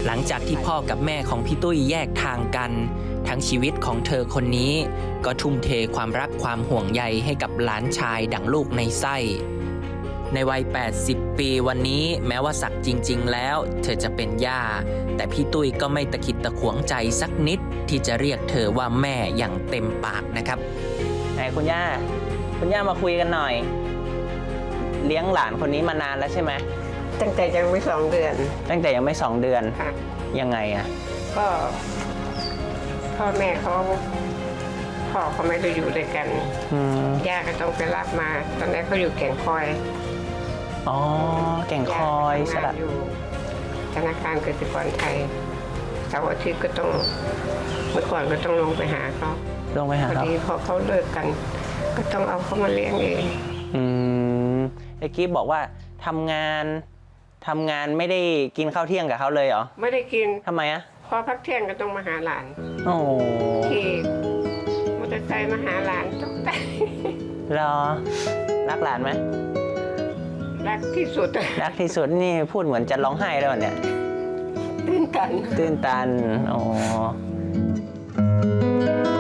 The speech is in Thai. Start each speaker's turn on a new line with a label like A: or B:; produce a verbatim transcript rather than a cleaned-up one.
A: หลังจากที่พ่อกับแม่ของพี่ตุ้ยแยกทางกันทั้งชีวิตของเธอคนนี้ก็ทุ่มเทความรักความห่วงใยให้กับหลานชายดั่งลูกในไส้ในวัยแปดสิบปีวันนี้แม้ว่าสักจริงๆแล้วเธอจะเป็นย่าแต่พี่ตุ้ยก็ไม่ตะขิดตะขวงใจสักนิดที่จะเรียกเธอว่าแม่อย่างเต็มปากนะครับไหนคุณย่าคุณย่ามาคุยกันหน่อยเลี้ยงหลานคนนี้มานานแล้วใช่ไหม
B: ตั้งแต่ยังไม่สองเดือน
A: ตั้งแต่ยังไม่สองเดือน
B: ค่ะ
A: ยังไงอ่ะ
B: ก็พ่อแม่เขาพ่อเขาไม่ได้อยู่ด้วยกันย่าก็ต้องไปรับมาตอนแรกเขาอยู่แก่งคอย
A: อ๋อแก่งคอย
B: สระอยู่ธนาคารกสิกรไทยเสาร์อาทิตย์ก็ต้องเมื่อก่อนก็ต้องลงไปหาเขา
A: ลงไปหาเขาพอ
B: ดีพอเขาเลิกกันก็ต้องเอาเขามาเลี้ยงเอง
A: อืมไอ้กิ๊บบอกว่าทำงานทำงานไม่ได้กินข้าวเที่ยงกับเขาเลยเหรอ
B: ไม่ได้กิน
A: ทำไมอะ
B: พอพักเที่ยงก็ต้องมาหาหลาน
A: โอ้
B: ขี่มอเตอร์ไซค์มาหาหลานตกใจ
A: รอรักหลานไหม
B: รักที่สุด
A: รักที่สุดนี่พูดเหมือนจะร้องไห้แล้วเนี่ย
B: ตื้นตัน
A: ตื้นตันโอ้